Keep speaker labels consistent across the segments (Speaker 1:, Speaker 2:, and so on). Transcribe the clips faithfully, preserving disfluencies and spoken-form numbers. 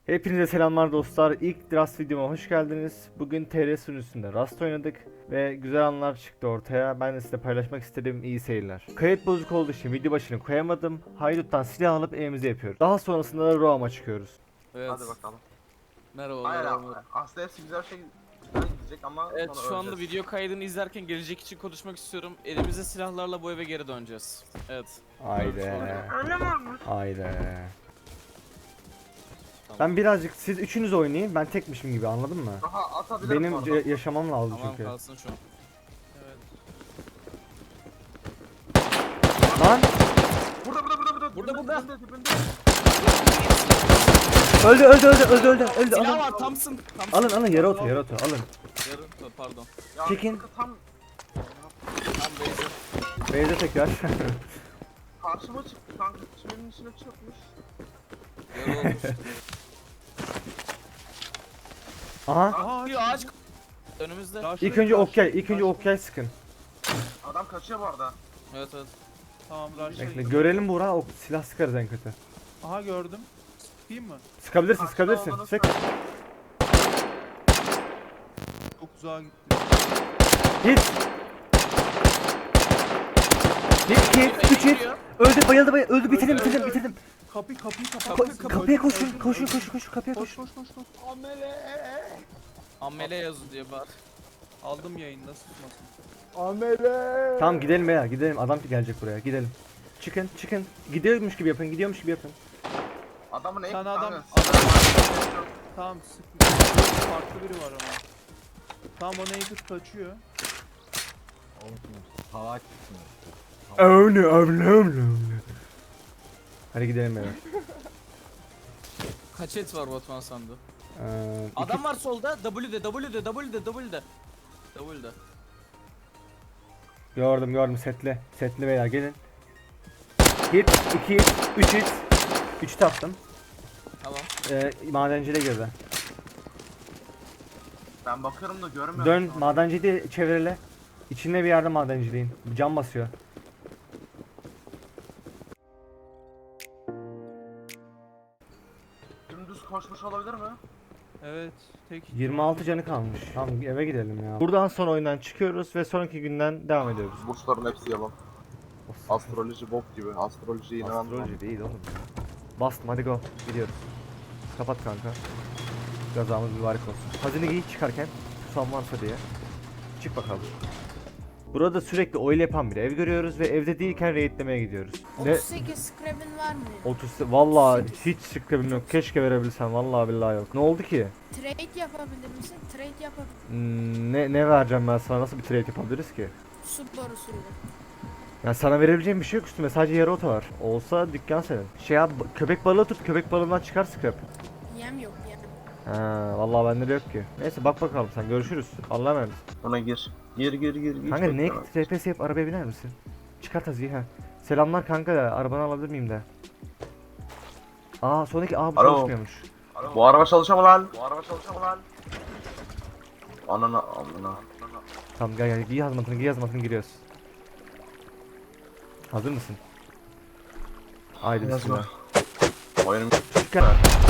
Speaker 1: Hepinize selamlar dostlar. İlk Rust videoma hoş geldiniz. Bugün T R sunucusunda Rust oynadık ve güzel anlar çıktı ortaya. Ben de size paylaşmak istedim. İyi seyirler. Kayıt bozuk olduğu için video başını koyamadım. Haydut'tan silah alıp evimize yapıyoruz. Daha sonrasında da Roam'a çıkıyoruz.
Speaker 2: Evet.
Speaker 3: Hadi bakalım.
Speaker 2: Merhabalar.
Speaker 3: Hayır abi.
Speaker 2: merhaba.
Speaker 3: Aslında hepsi güzel şey güzel gidecek ama
Speaker 2: Evet,
Speaker 3: sonra
Speaker 2: şu anda
Speaker 3: öleceğiz.
Speaker 2: video kaydını izlerken gelecek için konuşmak istiyorum. Elimizde silahlarla bu eve geri döneceğiz. Evet.
Speaker 1: Haydi.
Speaker 3: Öyle mi olmuş?
Speaker 1: Haydi.
Speaker 2: Tamam.
Speaker 1: Ben birazcık siz üçünüz oynayın. Ben tekmişim gibi, anladın mı?
Speaker 3: Aha atabilirim
Speaker 1: Benim
Speaker 3: bu arada.
Speaker 1: ya- yaşamam lazım
Speaker 2: Tamam,
Speaker 1: çünkü.
Speaker 2: kalsın şu an. Evet.
Speaker 1: Lan
Speaker 3: Burada burada burada burada.
Speaker 2: Burada,
Speaker 3: dibinde,
Speaker 2: burada.
Speaker 3: dibinde, dibinde.
Speaker 1: öldü öldü öldü öldü öldü öldü.
Speaker 2: Silah
Speaker 1: Alın.
Speaker 2: var, Thompson. Thompson.
Speaker 1: Alın alın yere otur yere otur alın.
Speaker 2: Yarın, pardon.
Speaker 3: Ya,
Speaker 1: Çekin.
Speaker 3: sıkı Tam
Speaker 2: Tam base.
Speaker 1: Beyze tekrar.
Speaker 3: karşıma çıktı kanka. Çimenin içine çökmüş.
Speaker 2: Yarı olmuş.
Speaker 1: Aha.
Speaker 2: Aa, bir ağaç. Önümüzde.
Speaker 1: İlk önce okyay, ilk önce okyay sıkın.
Speaker 3: Adam kaçıyor bu arada.
Speaker 2: Evet evet.
Speaker 4: Tamam rush'a
Speaker 1: Bekle
Speaker 4: git.
Speaker 1: görelim Buğra, o silah sıkarız en kötü.
Speaker 4: Aha gördüm. Sıkayım mı?
Speaker 1: Sıkabilirsin
Speaker 3: Karşıda
Speaker 1: sıkabilirsin.
Speaker 3: olduğunu
Speaker 1: Sık.
Speaker 3: söyle.
Speaker 4: Çok uzağa gitti.
Speaker 1: Hit. Hit hit. Üç hit. Öldü bayıldı bayıldı. Öldü bitirdim
Speaker 4: Öldü,
Speaker 1: bitirdim
Speaker 4: öldü,
Speaker 1: bitirdim.
Speaker 4: Kapı kapıyı kapat.
Speaker 1: Ko-
Speaker 2: Kapı,
Speaker 1: kapıya koşun koşun koşun koşun kapıya
Speaker 4: Koş
Speaker 1: koşun.
Speaker 4: koş koş koş.
Speaker 2: Amele yazı diye bağır.
Speaker 4: Aldım yayında susmasın.
Speaker 1: Tamam gidelim ya gidelim, adam gelecek buraya, gidelim. Çıkın çıkın. Gidiyormuş gibi yapın, gidiyormuş gibi yapın.
Speaker 3: Adamın en
Speaker 4: Sen adam-
Speaker 3: kanka,
Speaker 4: adam-
Speaker 3: silahı var.
Speaker 4: Tamam sık. Farklı biri var ama. Tamam o naked kaçıyor.
Speaker 1: Öyle öyle öyle. Hadi gidelim beyler.
Speaker 2: Kaç et var Batman sandı?
Speaker 1: Ee, iki-
Speaker 2: Adam var solda. W'de, W'de, W'de, W'de. W'de.
Speaker 1: Gördüm gördüm, setli. Setli beyler gelin. Hit, iki hit, üç hit. üç taktım.
Speaker 2: Tamam.
Speaker 1: Ee, madenciyle girdi.
Speaker 3: Ben bakıyorum da görmüyorum.
Speaker 1: Dön
Speaker 3: şu an.
Speaker 1: madenciyi de çevirele. İçinde bir yerde madenciliğin. Cam basıyor.
Speaker 3: Dümdüz koşmuş olabilir mi?
Speaker 4: Evet. Tek.
Speaker 1: yirmi altı canı kalmış. Tamam eve gidelim ya. Buradan sonra oyundan çıkıyoruz ve sonraki günden devam ediyoruz.
Speaker 3: Burçların hepsi yalan. Astroloji bok gibi. Astrolojiye inanmam.
Speaker 1: Astroloji değil oğlum. Bastım, hadi go. Gidiyoruz. Kapat kanka. Gazamız mübarek olsun. Hazine giy çıkarken susam varsa diye. Çık bakalım. Burada sürekli oil yapan bir ev görüyoruz ve evde değilken raidlemeye gidiyoruz. Ne?
Speaker 5: otuz sekiz scrap'in var mı?
Speaker 1: otuz vallahi hiç sıkıntım yok. Keşke verebilsem, vallahi billahi yok. Ne oldu ki?
Speaker 5: Trade yapabilir misin? Trade yapabilir.
Speaker 1: Hmm, ne ne vereceğim ben sana, nasıl bir trade yapabiliriz ki?
Speaker 5: Su borusuyla.
Speaker 1: Yani sana verebileceğim bir şey yok üstüme, sadece yarı oto var. Olsa dükkan senin. Şey yap, köpek balığı tut, köpek balığından çıkar scrap.
Speaker 5: Yem yok yem.
Speaker 1: Ha, vallahi bende de yok ki. Neyse bak bakalım sen, görüşürüz. Allah'a emanet.
Speaker 3: Ona gir. Gir gir gir gir.
Speaker 1: Kanka ne R P S yap, arabaya biner misin? Çıkart Hazi'yi ha. Selamlar kanka, arabanı alabilir miyim de? Aa sonraki aa bu
Speaker 3: Alo.
Speaker 1: çalışmıyormuş.
Speaker 3: Bu araba çalışıyor mu lan? Bu araba çalışıyor mu lan? Anana amına.
Speaker 1: Tamam gel gel, giy hazmatını giy hazmatını, giriyoruz. Hazır mısın? Haydi bismillah.
Speaker 3: Oyunum
Speaker 1: Gel.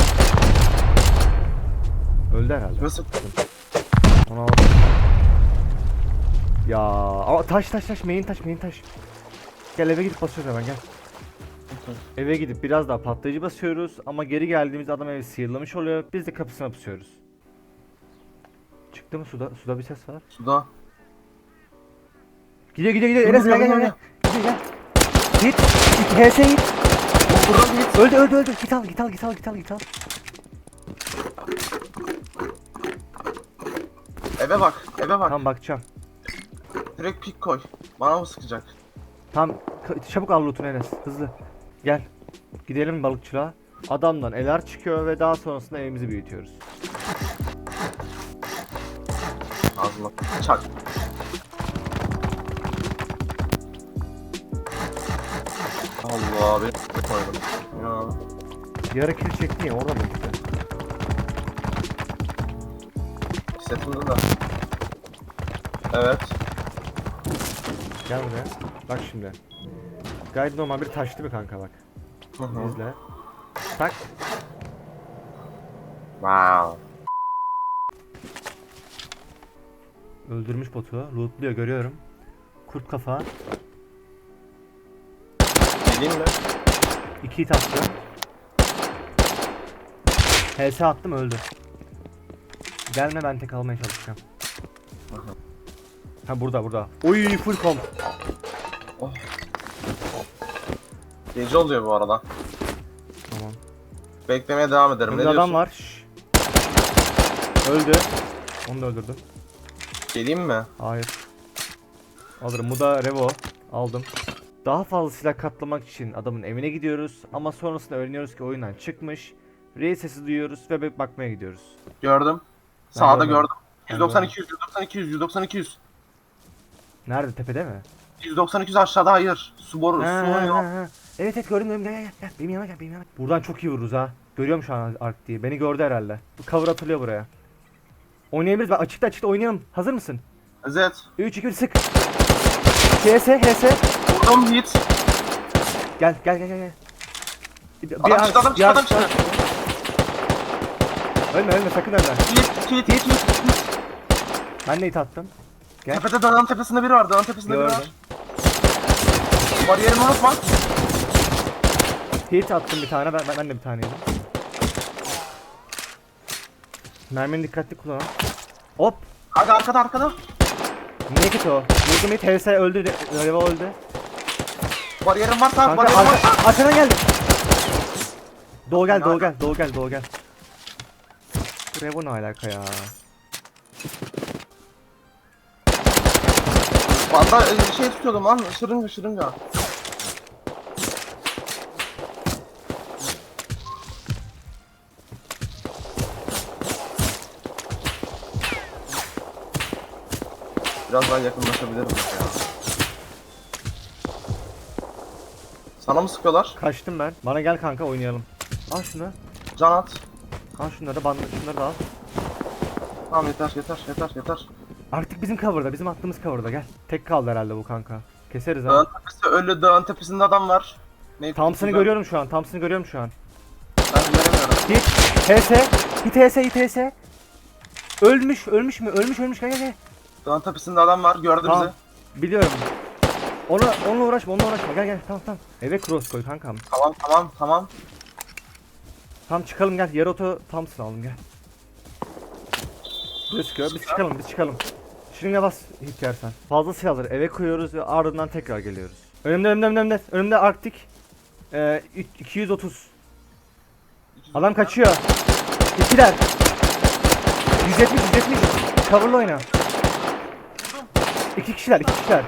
Speaker 1: Öldü herhalde.
Speaker 3: nasıl?
Speaker 1: Ona al. Ya aa, taş taş taş main taş main taş. Gel eve gidip basıyoruz hemen, gel. Eve gidip biraz daha patlayıcı basıyoruz ama geri geldiğimizde adam evi sıyırlamış oluyor. Biz de kapısına pusuyoruz. Çıktı mı suda? Suda bir ses var.
Speaker 3: Suda.
Speaker 1: Gidiyor gidiyor gidiyor. Enes gel gel gel. Gidiyor gel. Git. Git. H S git. Öldü öldü öldü. Git al git al git al git al git al.
Speaker 3: Eve bak. Eve bak.
Speaker 1: Tamam bakacağım.
Speaker 3: Direkt pik koy. Bana mı sıkacak?
Speaker 1: Tamam ka- çabuk al lootunu Enes. Hızlı. Gel. Gidelim balıkçılığa. Adamdan eler çıkıyor ve daha sonrasında evimizi büyütüyoruz.
Speaker 3: Ağzına çak. Allah beni koydum. Ya.
Speaker 1: Yarı kill çekti ya, orada mı gitti?
Speaker 3: Setimde de. Evet.
Speaker 1: Gel buraya. Bak şimdi. Gayet normal bir taşlı bir kanka bak.
Speaker 3: Hı hı.
Speaker 1: İzle. Tak.
Speaker 3: Wow.
Speaker 1: Öldürmüş botu. Lootluyor görüyorum. Kurt kafa.
Speaker 3: Geleyim mi?
Speaker 1: İki hit attım. H S attım öldü. Gelme ben tek almaya çalışacağım. Ha burada burada. Oy full comp.
Speaker 3: Gece oluyor bu arada.
Speaker 1: Tamam.
Speaker 3: Beklemeye devam ederim.
Speaker 1: Önümde
Speaker 3: Ne diyorsun?
Speaker 1: adam var. Şşş. Öldü. Onu da öldürdüm.
Speaker 3: Geleyim mi?
Speaker 1: Hayır. Alırım. Bu da Revo. Aldım. Daha fazla silah katlamak için adamın evine gidiyoruz. Ama sonrasında öğreniyoruz ki oyundan çıkmış. Rey sesi duyuyoruz ve bir bakmaya gidiyoruz.
Speaker 3: Gördüm. Sağda
Speaker 1: görmedim.
Speaker 3: gördüm.
Speaker 1: Ben
Speaker 3: yüz doksan iki yüz, yüz doksan iki yüz, yüz doksan iki yüz.
Speaker 1: Nerede? Tepede mi?
Speaker 3: yüz doksan iki yüz aşağıda hayır. Su boru,
Speaker 1: Ha,
Speaker 3: su
Speaker 1: ha,
Speaker 3: oynuyor.
Speaker 1: ha, ha. Evet evet gördüm gördüm. Gel gel gel. Benim yanıma gel benim yanıma. Buradan çok iyi vururuz ha. Görüyorum şu an Ark diye. Beni gördü herhalde. Bu cover atılıyor buraya. Oynayabiliriz. Bak açıkta açıkta oynayalım. Hazır mısın?
Speaker 3: Evet.
Speaker 1: üç iki bir sık. H S H S.
Speaker 3: Vurdum hit.
Speaker 1: Gel gel gel gel. Bir,
Speaker 3: Adam çıktı, adam çıktı, adam çıktı.
Speaker 1: Ölme ölme sakın ölme.
Speaker 3: Hit, hit, hit, hit, hit.
Speaker 1: Ben de hit attım. Gel.
Speaker 3: Tepede dağın tepesinde biri var, dağın tepesinde biri
Speaker 1: Gördüm.
Speaker 3: var. Bariyerimi unutma.
Speaker 1: Hit attım bir tane. Ben, ben, ben de bir tane yedim. Mermini dikkatli kullan. Hop.
Speaker 3: Hadi arkada arkada.
Speaker 1: Niye hit o? Vurdum hit. H S öldü. Reva öldü.
Speaker 3: Bariyerim var, tamam
Speaker 1: Kanka
Speaker 3: bariyerim var.
Speaker 1: arka, arkadan geldi. Doğu gel, doğu gel, doğu gel, doğu gel. Bu Revo ne alaka ya?
Speaker 3: Valla e, şey tutuyordum lan, şırınga şırınga. Biraz daha yakınlaşabilirim ya. Sana mı sıkıyorlar?
Speaker 1: Kaçtım ben. Bana gel kanka oynayalım. Al şunu.
Speaker 3: Can at.
Speaker 1: Al şunları, bandı, şunları da al.
Speaker 3: Tamam yeter yeter yeter yeter.
Speaker 1: Artık bizim cover'da, bizim attığımız cover'da gel. Tek kaldı herhalde bu kanka. Keseriz
Speaker 3: Dağın
Speaker 1: ha.
Speaker 3: tepesi ölü, dağın tepesinde adam var. Ne?
Speaker 1: Thompson'ı görüyorum şu an, Thompson'ı görüyorum şu an.
Speaker 3: Ben göremiyorum.
Speaker 1: Hit, H S, hit H S, hit H S. Ölmüş, ölmüş mü? Ölmüş, ölmüş. Gel gel gel.
Speaker 3: Dağın tepesinde adam var, gördü
Speaker 1: Tamam.
Speaker 3: bizi.
Speaker 1: Biliyorum. Onu, onunla uğraşma, onunla uğraşma. Gel gel, tamam tamam. Eve cross koy kankam.
Speaker 3: Tamam tamam tamam.
Speaker 1: Tamam çıkalım gel. Yer oto Thompson alalım gel. Biz çıkıyor, biz çıkalım, biz çıkalım. Şırınga bas hit yersen. Fazla silahları eve koyuyoruz ve ardından tekrar geliyoruz. Önümde, önümde, önümde. Önümde Arktik. Ee, iki yüz otuz. Adam kaçıyor. İkiler. yüz yetmiş, yüz yetmiş. Cover'la oyna. İki kişiler, iki kişiler.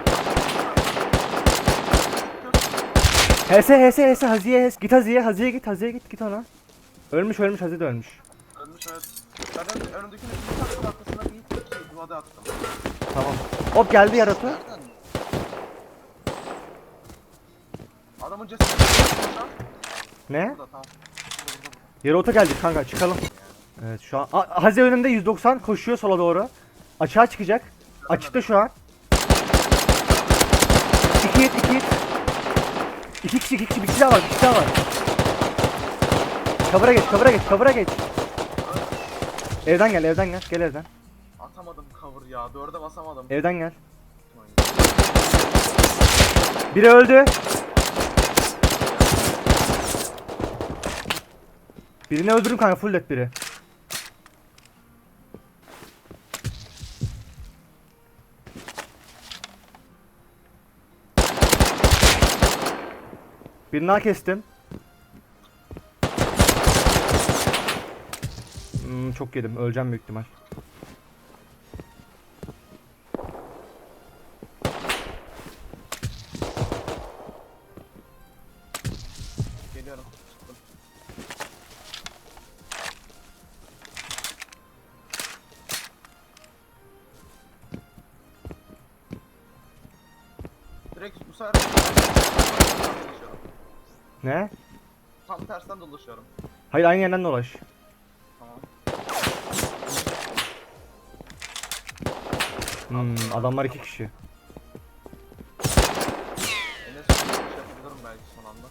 Speaker 1: H S, H S, H S, Haziye, H S. Git Haziye, Haziye git, Haziye git, git ona. Ölmüş, ölmüş, Haziye de ölmüş.
Speaker 3: Ölmüş evet. Zaten önündekinin bir takım arkasında bir hit şey, duvada attım.
Speaker 1: Tamam. Hop geldi yaratı.
Speaker 3: Adamın cesedi.
Speaker 1: Ne?
Speaker 3: Burada tamam.
Speaker 1: Yer oto geldi kanka, çıkalım. Evet şu an. A Haziye önümde yüz doksan koşuyor sola doğru. Açığa çıkacak. Açıkta şu an. İki hit, iki hit. İki kişi, iki kişi, bir kişi daha var, bir kişi daha var. Cover'a geç, cover'a geç, cover'a geç. Evden gel, evden gel, gel evden.
Speaker 3: Atamadım cover ya. Dörde basamadım.
Speaker 1: Evden gel. Biri öldü. Birini öldürdüm kanka, full dead biri. Birini daha kestim. Hmm, çok yedim. Öleceğim büyük ihtimal.
Speaker 3: Geliyorum. Direkt bu sefer dolaşıyorum.
Speaker 1: Ne?
Speaker 3: Tam tersten dolaşıyorum.
Speaker 1: Hayır aynı yerden dolaş.
Speaker 3: Tamam.
Speaker 1: Hmm, adamlar iki kişi.
Speaker 3: Enes bir şey yapabilirim belki son anda.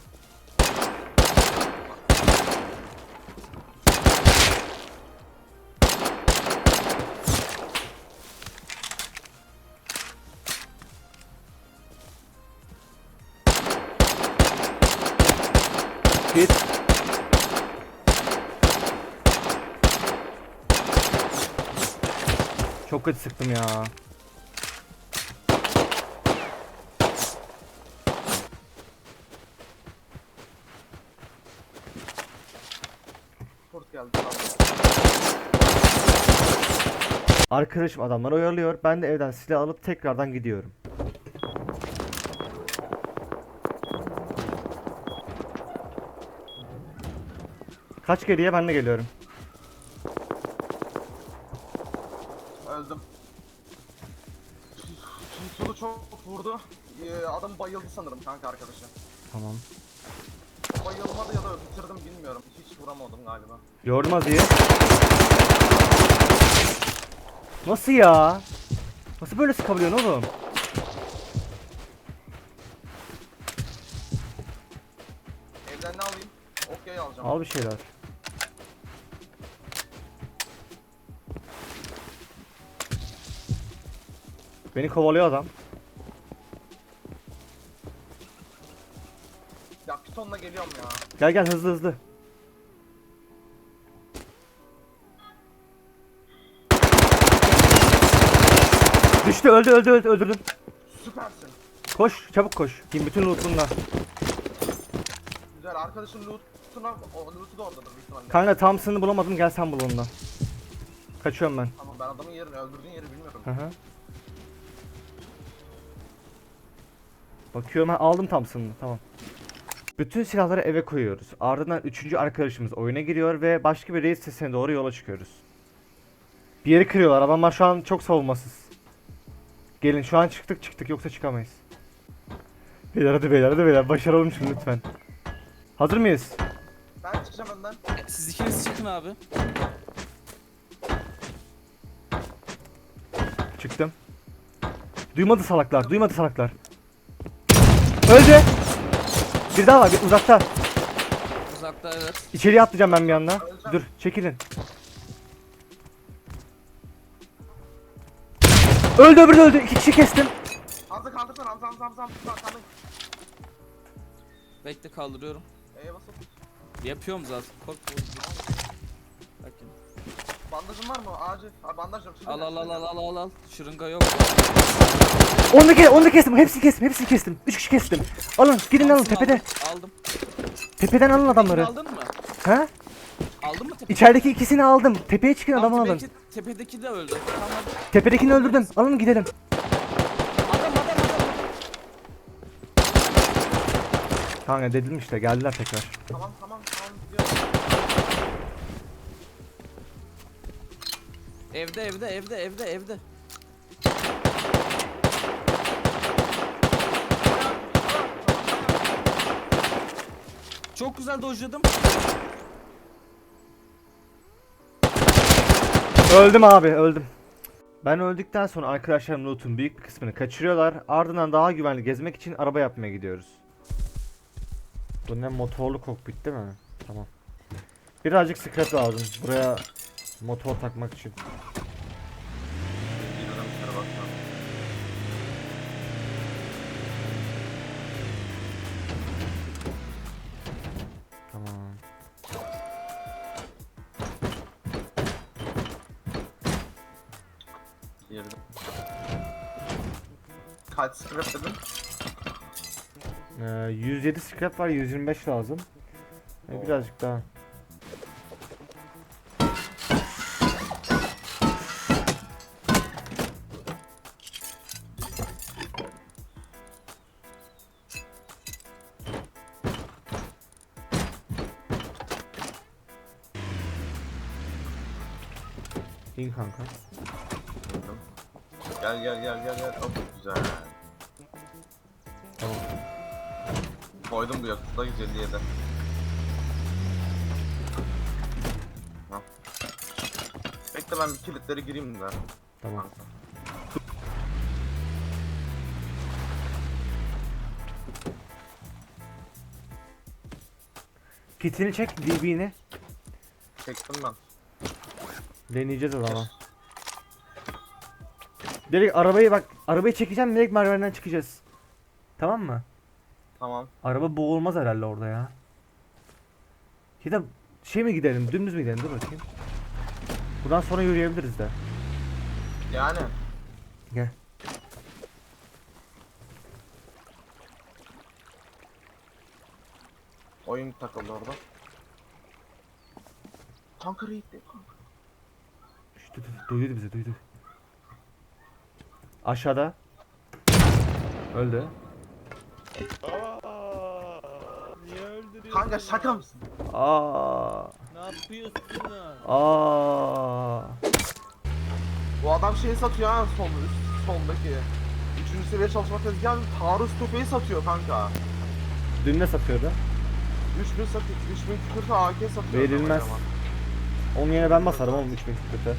Speaker 1: Çok kötü sıktım ya.
Speaker 3: Kurt geldi. Tamam.
Speaker 1: Arkadaşım adamları oyalıyor. Ben de evden silah alıp tekrardan gidiyorum. Kaç geriye, ben de geliyorum.
Speaker 3: Öldüm. Sulu çok vurdu. Ee, adam bayıldı sanırım kanka arkadaşı.
Speaker 1: Tamam.
Speaker 3: Bayılmadı ya da bitirdim bilmiyorum. Hiç vuramadım galiba.
Speaker 1: Gördüm Azi'yi. Nasıl ya? Nasıl böyle sıkabiliyorsun oğlum?
Speaker 3: Evden ne alayım? Okyayı alacağım.
Speaker 1: Al bir şeyler. Beni kovalıyor adam.
Speaker 3: Ya pitonla geliyorum ya.
Speaker 1: Gel gel hızlı hızlı. Düştü, öldü öldü öldü öldürdüm.
Speaker 3: Süpersin.
Speaker 1: Koş çabuk koş. Kim bütün loot'unla.
Speaker 3: Güzel arkadaşın loot'una, o loot'u da oradadır büyük ihtimalle.
Speaker 1: Kanka Thompson'ı bulamadım, gel sen bul onunla. Kaçıyorum ben.
Speaker 3: Tamam ben adamın yerini, öldürdüğün yeri bilmiyorum.
Speaker 1: Hı hı. Bakıyorum, ha, aldım Thompson'ı, tamam. Bütün silahları eve koyuyoruz. Ardından üçüncü arkadaşımız oyuna giriyor ve başka bir reis sesine doğru yola çıkıyoruz. Bir yeri kırıyorlar, adamlar şu an çok savunmasız. Gelin şu an çıktık çıktık, yoksa çıkamayız. Beyler hadi beyler hadi beyler, başaralım şunu lütfen. Hazır mıyız?
Speaker 3: Ben çıkacağım önden.
Speaker 2: Siz ikiniz çıkın abi.
Speaker 1: Çıktım. Duymadı salaklar, duymadı salaklar. Öldü. Bir daha var, bir uzakta.
Speaker 2: Uzakta evet.
Speaker 1: İçeriye atlayacağım ben bir anda. Dur, çekilin. Öldü, öbürü de öldü. İki kişi kestim.
Speaker 3: Hamza kaldırsana Hamza Hamza Hamza Hamza Hamza.
Speaker 2: Bekle kaldırıyorum.
Speaker 3: Eee basıp.
Speaker 2: Yapıyorum zaten. Korkma. Bakın.
Speaker 3: Bandajın var mı? Acil. Ha, bandaj yok. Şimdi
Speaker 2: Al al al al al al al. Şırınga yok.
Speaker 1: Onu da, ke onu da kestim. Hepsini kestim. Hepsini kestim. Üç kişi kestim. Alın, gidin alın
Speaker 2: Thompson
Speaker 1: tepede.
Speaker 2: Aldım. aldım.
Speaker 1: Tepeden alın adamları.
Speaker 2: Aldın mı?
Speaker 1: Ha?
Speaker 2: Aldın mı tepedeki?
Speaker 1: İçerideki ikisini aldım. Tepeye çıkın,
Speaker 2: Tamam,
Speaker 1: adamı alın.
Speaker 2: tepedeki, tepedeki de öldü. Tamam.
Speaker 1: Tepedekini öldürdüm. Alın gidelim.
Speaker 2: Adam adam adam.
Speaker 1: Kanka dedim işte, geldiler tekrar.
Speaker 3: Tamam tamam tamam gidiyorum.
Speaker 2: Evde evde evde evde evde. Çok güzel dojladım.
Speaker 1: Öldüm abi, öldüm. Ben öldükten sonra arkadaşlarım loot'un büyük bir kısmını kaçırıyorlar. Ardından daha güvenli gezmek için araba yapmaya gidiyoruz. Bu ne, motorlu kokpit değil mi? Tamam. Birazcık scrap lazım buraya motor takmak için.
Speaker 3: Gidiyorum şuna bakma.
Speaker 1: Tamam.
Speaker 3: Girdim. Kaç scrap dedin?
Speaker 1: Ee, yüz yedi scrap var, yüz yirmi beş lazım. Ee, birazcık daha. İn kanka.
Speaker 3: Girdim. Gel gel gel gel gel. Çok güzel.
Speaker 1: Tamam.
Speaker 3: Koydum bu yakıtla yüz elli yedi. Tamam. Bekle ben bir kilitlere gireyim de.
Speaker 1: Tamam. Kitini çek, D B'ni.
Speaker 3: Çektim ben.
Speaker 1: Deneyeceğiz o zaman. Direkt arabayı bak, arabayı çekeceğim, direkt merdivenden çıkacağız. Tamam mı?
Speaker 3: Tamam.
Speaker 1: Araba boğulmaz herhalde orada ya. Ya da şey mi gidelim, dümdüz mü gidelim, dur bakayım. Buradan sonra yürüyebiliriz de.
Speaker 3: Yani.
Speaker 1: Gel.
Speaker 3: Oyun takıldı orada. Kanka raid'de kanka.
Speaker 1: Şşt, dur, dur, duydu bizi duydu. Aşağıda. Öldü.
Speaker 4: Aa, niye öldürüyorsun?
Speaker 3: Kanka
Speaker 4: ya?
Speaker 3: şaka mısın?
Speaker 1: Aa.
Speaker 4: Ne yapıyorsun lan?
Speaker 1: Aa.
Speaker 3: Bu adam şeyi satıyor ha sol, üst soldaki. Üçüncü seviye çalışma tezgahı taarruz tüfeği satıyor kanka.
Speaker 1: Dün ne satıyordu?
Speaker 3: üç bin satıyor, üç bin kırk A K satıyor.
Speaker 1: Verilmez.
Speaker 3: adam.
Speaker 1: Onun yerine ben basarım oğlum üç bin kötü.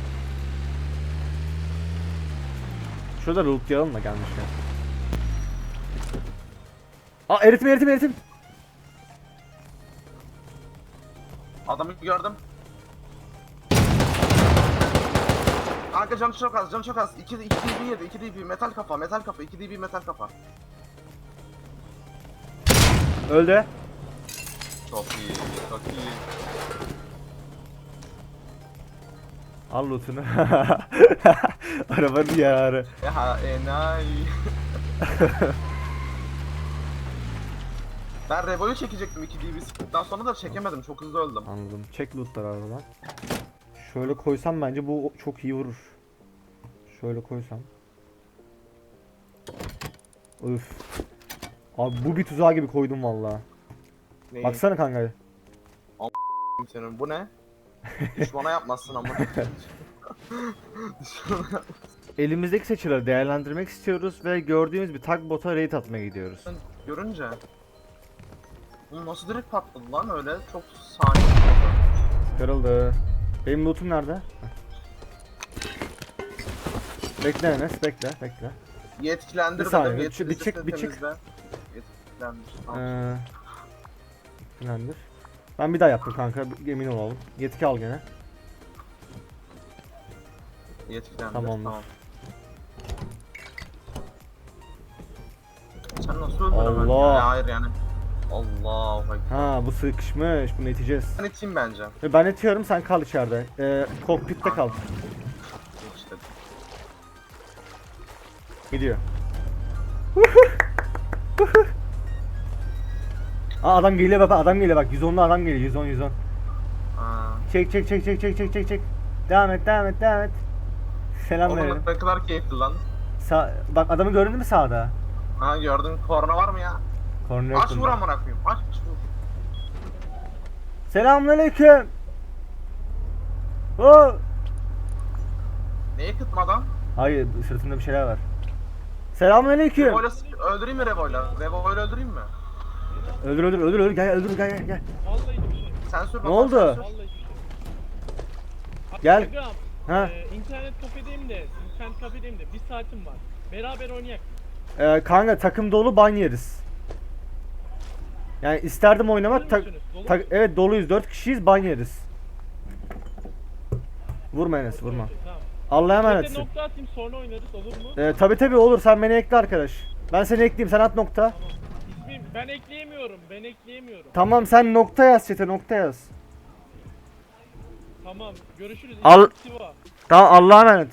Speaker 1: Şurada lootlayalım da gelmişken. Aa eritim eritim eritim.
Speaker 3: Adamı gördüm. Kanka canı çok az, canı çok az. iki D B yedi, iki D B metal kafa, metal kafa, iki D B metal kafa.
Speaker 1: Öldü.
Speaker 3: Çok iyi, çok iyi.
Speaker 1: Al lootunu. Arabanın yarı.
Speaker 3: Ya enayi. Ben Revo'yu çekecektim iki D B sıktıktan sonra da çekemedim, çok hızlı öldüm.
Speaker 1: Anladım. Çek lootları arabadan. Şöyle koysam bence bu çok iyi vurur. Şöyle koysam. Üf. Abi bu bir tuzağı gibi koydum valla.
Speaker 3: Neyi?
Speaker 1: Baksana kanka.
Speaker 3: Senin bu ne? Düşmana yapmazsın ama.
Speaker 1: Elimizdeki seçileri değerlendirmek istiyoruz ve gördüğümüz bir tugboat'a raid atmaya gidiyoruz.
Speaker 3: Görünce. Bu nasıl direkt patladı lan öyle? Çok saniye.
Speaker 1: Kırıldı. Benim lootum nerede? Heh. Bekle Enes, bekle, bekle.
Speaker 3: Yetkilendir
Speaker 1: Bir saniye,
Speaker 3: dedim,
Speaker 1: bir çık- bir çık- bir çık.
Speaker 3: temizle. Yetkilendir. Tamam.
Speaker 1: Ee, Yetkilendir. Ben bir daha yaptım kanka, emin olalım. Yetki al gene.
Speaker 3: Yetkilendir.
Speaker 1: Tamamdır.
Speaker 3: Tamam. Sen nasıl öldün hemen?
Speaker 1: Allah.
Speaker 3: Ya, hayır yani. Allah bak.
Speaker 1: Ha bu sıkışmış, bunu iteceğiz.
Speaker 3: Ben iteyim bence.
Speaker 1: Ve ben itiyorum, sen kal içeride. Ee, kokpitte kal.
Speaker 3: İşte.
Speaker 1: Gidiyor. Aa adam geliyor baba, adam geliyor bak. yüz onlu adam geliyor, yüz on yüz on.
Speaker 3: Aa,
Speaker 1: Çek çek çek çek çek çek çek çek. Devam et devam et devam et. Selam verelim.
Speaker 3: oğlum ne kadar keyifli lan.
Speaker 1: Sa bak adamı gördün mü sağda?
Speaker 3: Ha gördün, korna var mı ya?
Speaker 1: Korner
Speaker 3: Aç vur amına koyayım. Aç vur.
Speaker 1: Selamünaleyküm. Oo.
Speaker 3: Neye kıtma adam?
Speaker 1: Hayır sırtında bir şeyler var. Selamünaleyküm.
Speaker 3: Revo'yla sık- öldüreyim mi Revo'yla? Revo'yla öldüreyim mi?
Speaker 1: Öldür öldür öldür öldür gel öldür gel gel gel.
Speaker 4: Vallahi bir şey.
Speaker 3: Sen sür
Speaker 1: Ne
Speaker 3: bakalım,
Speaker 1: oldu?
Speaker 3: sen sür.
Speaker 4: Vallahi bir şey.
Speaker 1: Gel.
Speaker 4: Instagram,
Speaker 1: Ha.
Speaker 4: e, internet kafedeyim de, internet kafedeyim de bir saatim var. Beraber oynayak.
Speaker 1: Ee, kanka takım dolu ban yeriz. Yani isterdim oynamak. Tak,
Speaker 4: musunuz? Dolu
Speaker 1: tak-
Speaker 4: musunuz?
Speaker 1: evet doluyuz dört kişiyiz ban yeriz. Vurma Enes vurma.
Speaker 4: Okey, tamam.
Speaker 1: Allah'a
Speaker 4: Ben de
Speaker 1: emanetsin.
Speaker 4: nokta atayım sonra oynarız olur mu?
Speaker 1: Ee, tabi tabi olur sen beni ekle arkadaş. Ben seni ekleyeyim sen at nokta.
Speaker 4: Tamam. İsmim ben ekleyemiyorum. Ben ekleyemiyorum.
Speaker 1: Tamam sen nokta yaz chat'e nokta yaz.
Speaker 4: Tamam. Görüşürüz.
Speaker 1: Al-
Speaker 4: Siva.
Speaker 1: Tamam Allah'a emanet.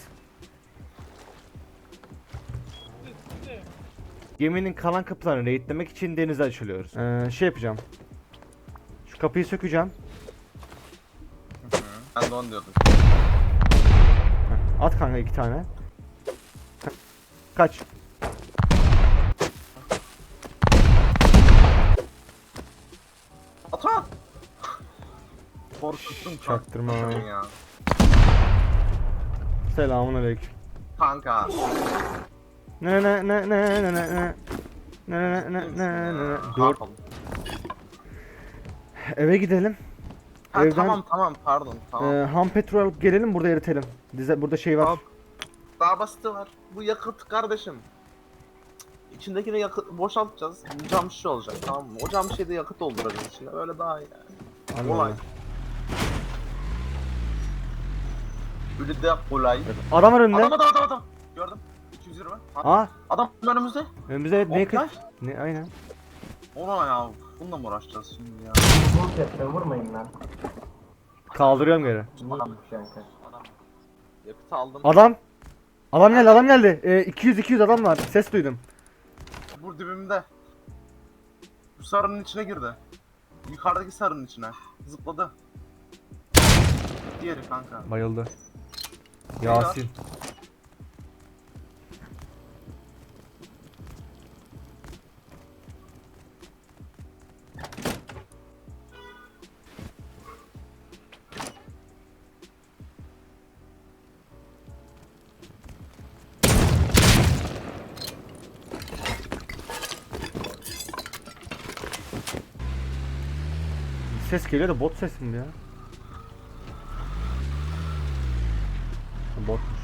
Speaker 4: Siz, size.
Speaker 1: Geminin kalan kapılarını raidlemek için denize açılıyoruz. Ee, şey yapacağım. Şu kapıyı sökeceğim.
Speaker 3: Ben de onu diyordum.
Speaker 1: Heh, at kanka iki tane. Ka- Kaç.
Speaker 3: At at! Korkuttun
Speaker 1: Çaktırma.
Speaker 3: çaktırma ya.
Speaker 1: Selamünaleyküm.
Speaker 3: Kanka.
Speaker 1: Ne ne ne ne ne ne ne ne ne ne ne ne ne
Speaker 3: Ne
Speaker 1: Dur
Speaker 3: yapalım?
Speaker 1: eve gidelim.
Speaker 3: Ha,
Speaker 1: Evden-
Speaker 3: tamam tamam pardon tamam.
Speaker 1: Ee, ham petrol alıp gelelim burada eritelim. Dize burada şey var.
Speaker 3: Tamam. Daha basiti var. Bu yakıt kardeşim. İçindekini yakıt boşaltacağız. Cam şişe olacak tamam mı? O cam şişede yakıt dolduracağız içine. Öyle daha iyi yani.
Speaker 1: Allah
Speaker 3: Kolay.
Speaker 1: Allah.
Speaker 3: Öyle de kolay.
Speaker 1: Adam var önünde.
Speaker 3: Adam adam adam adam. Gördüm. iki yüz yirmi. Ha,
Speaker 1: Aa
Speaker 3: adam önümüzde.
Speaker 1: önümüzde ne
Speaker 3: Oktay.
Speaker 1: kız? Ne aynen.
Speaker 3: Ona ya. Bununla mı uğraşacağız şimdi ya?
Speaker 6: Vur yapma vurmayın lan.
Speaker 1: Kaldırıyorum geri.
Speaker 3: Adam.
Speaker 6: Neymiş kanka?
Speaker 3: Adam. Yakıt aldım.
Speaker 1: Adam. Adam geldi adam geldi. Ee, iki yüz iki yüz adam var. Ses duydum.
Speaker 3: Bu dibimde. Bu sarının içine girdi. Yukarıdaki sarının içine. Zıpladı. Diğeri kanka.
Speaker 1: Bayıldı. Yasin. Ses geliyor da bot sesi mi ya? Botmuş.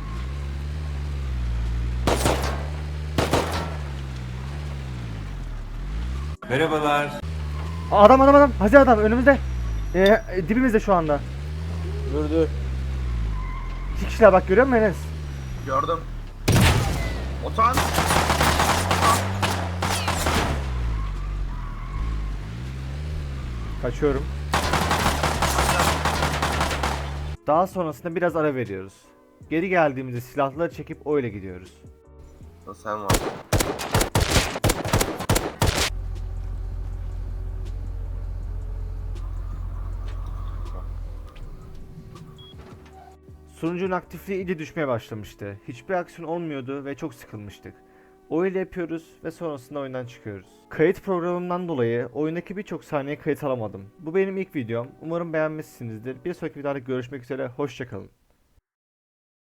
Speaker 7: Merhabalar.
Speaker 1: Aa, adam adam adam. Hazır adam önümüzde. Ee, e, dibimizde şu anda.
Speaker 4: Gördü.
Speaker 1: İki kişiler bak görüyor musun Enes?
Speaker 3: Gördüm. Otan.
Speaker 1: Kaçıyorum. Daha sonrasında biraz ara veriyoruz. Geri geldiğimizde silahları çekip öyle gidiyoruz.
Speaker 3: Sen var.
Speaker 1: Sunucunun aktifliği iyice düşmeye başlamıştı. Hiçbir aksiyon olmuyordu ve çok sıkılmıştık. Öyle yapıyoruz ve sonrasında oyundan çıkıyoruz. Kayıt programından dolayı oyundaki birçok saniye kayıt alamadım. Bu benim ilk videom. Umarım beğenmişsinizdir. Bir sonraki videoda görüşmek üzere. Hoşçakalın.